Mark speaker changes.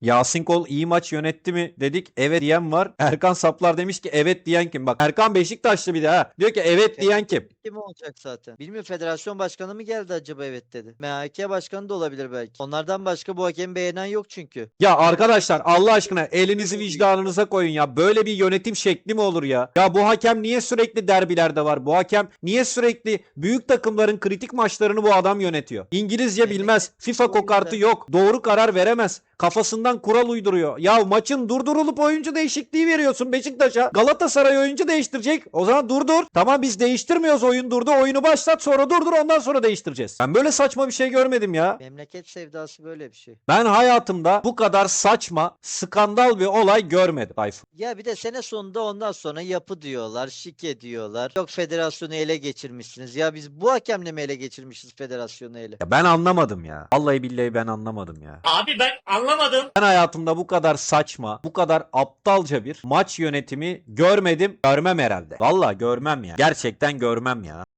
Speaker 1: Yasin Kol iyi maç yönetti mi dedik. Evet diyen var. Erkan Saplar demiş ki evet diyen kim? Bak Erkan Beşiktaşlı bir de ha. Diyor ki evet diyen kim?
Speaker 2: Kim olacak zaten? Bilmiyorum, federasyon başkanı mı geldi acaba evet dedi. MHK başkanı da olabilir belki. Onlardan başka bu hakemi beğenen yok çünkü.
Speaker 1: Ya arkadaşlar Allah aşkına elinizi vicdanınıza koyun ya. Böyle bir yönetim şekli mi olur ya? Ya bu hakem niye sürekli derbilerde var? Bu hakem niye sürekli büyük takımların kritik maçlarını bu adam yönetiyor? İngilizce bilmez.
Speaker 2: Memleket
Speaker 1: FIFA
Speaker 2: o
Speaker 1: kokartı
Speaker 2: yüzden.
Speaker 1: yok. Doğru karar veremez. Kafasından kural uyduruyor. Ya maçın durdurulup oyuncu değişikliği veriyorsun Beşiktaş'a. Galatasaray oyuncu değiştirecek. O zaman durdur. Tamam biz değiştirmiyoruz, oyun durdu. Oyunu başlat, sonra durdur, ondan sonra değiştireceğiz. Ben böyle saçma bir şey görmedim ya.
Speaker 2: Memleket sevdası böyle bir şey.
Speaker 1: Ben hayatımda bu kadar saçma, skandal bir olay görmedim Tayfun.
Speaker 2: Ya bir de sene sonunda ondan sonra yapı diyorlar, şike diyorlar. Yok federasyonu ele geçirmişsiniz. Ya biz bu hakemle mi ele geçirmişiz federasyonu ele?
Speaker 1: Ya ben anlamadım ya. Vallahi billahi ben anlamadım ya.
Speaker 3: Abi ben anlamadım.
Speaker 1: Ben hayatımda bu kadar saçma, bu kadar aptalca bir maç yönetimi görmedim, görmem herhalde. Vallahi görmem ya. Gerçekten görmem ya.